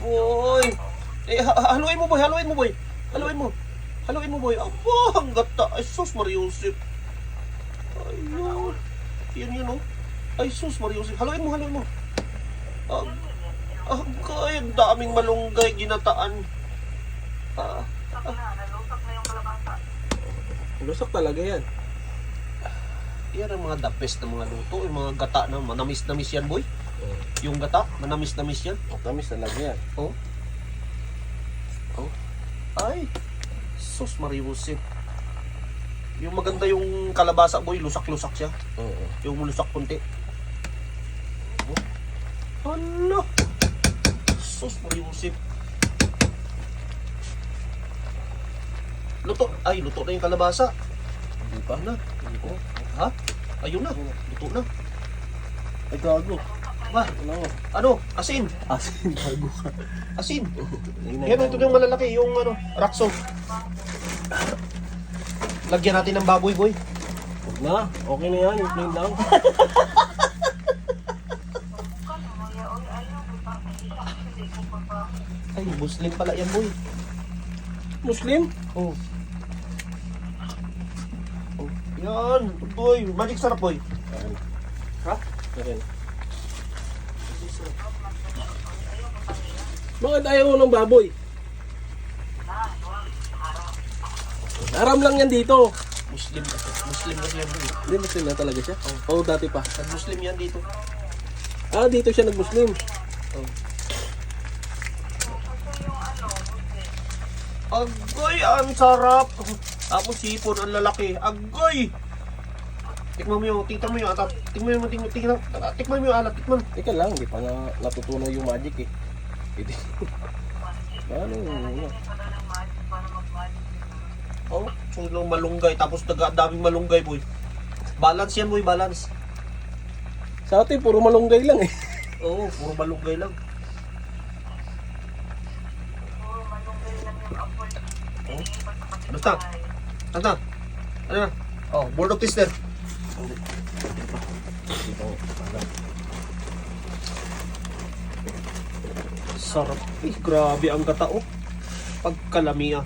Boy. Haluin mo, boy. Haluin mo, boy. Haluin mo. Haluin mo, boy. Aba, ang gata. Ay, sus, Mariusip. Ayun. Yan, oh. Ay, sus, Mariusip. Haluin mo, haluin mo. Agay, ang daming malunggay, ginataan. Nalusak na yung kalabasa. Lusak talaga yan. Yan ang mga the best na mga luto. Yung mga gata na manamis-namis yan, boy. Yung gata, manamis-namis yan. Tamis talaga yan. Oh. Oh. Ay. Sus, Mariusip. Yung maganda yung kalabasa, boy. Lusak-lusak siya. Oo. Yung lusak kunti. Oh. Hala. Sus, Mariusip. Luto. Ay, luto na yung kalabasa. Hindi pa. Na. Oh. Ha? Ayun na. Luto na. Ay, gago. Ba? Ano? Asin. Asin, gago ka. Asin. Yan, ito yung malalaki. Yung rakso. Lagyan natin ng baboy, boy. Huwag na. Okay na yan. Yung plain lang. Ay, Muslim pala yan, boy. Muslim? Oh. Oh. Yan, boy. Magic sarap, boy. Ha? Okay. Bakit ayaw mo ng baboy? Aram lang yan dito. Muslim kasi. Muslim kasi yan, boy. Hindi, Muslim na talaga siya? Oo, dati pa. Muslim yan dito. Ah, dito siya nag-Muslim. Oh. Agoy, ang sarap. Tapos sipon, ang lalaki. Agoy! Tikman mo yung, tingnan mo yung alat. Tikman mo yung alat. Tikman. Teka lang, hindi pa nga natutunan yung magic eh. Hindi. Ano yun? Oh, sulong malunggay. Tapos daming malunggay, boy. Balance yan, boy, balance. Sa atin, puro malunggay lang eh. Oo, puro malunggay lang. Oh. Basta. Ano? Ano na? Oh, board of tester. Sarap. Eh, grabe ang gata, oh. Pagkalami, ah.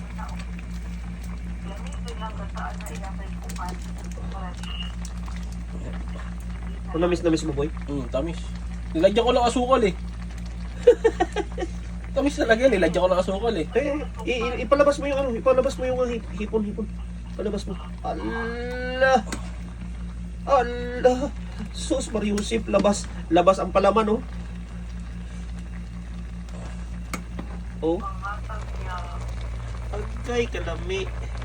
Namis mo, boy? Tamis. Nilagyan ko lang asukal eh. Tamis talaga yan, nilagyan ko lang asukal eh. Ipalabas mo yung ipalabas mo yung hipon. Palabas mo. Allah. Allah. Sus, Mariusip, labas ang palaman, oh. Oh. Agay, kalami.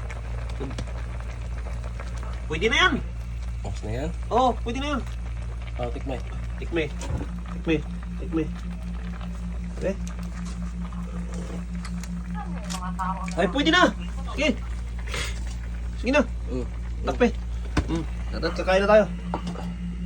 Pwede na yan. Tapos na yan. Oh, pwede na yan. Tikmay. Tikme. Okay. Ay, pwede na. Sige. Sige na. Takpe. Kakain na tayo.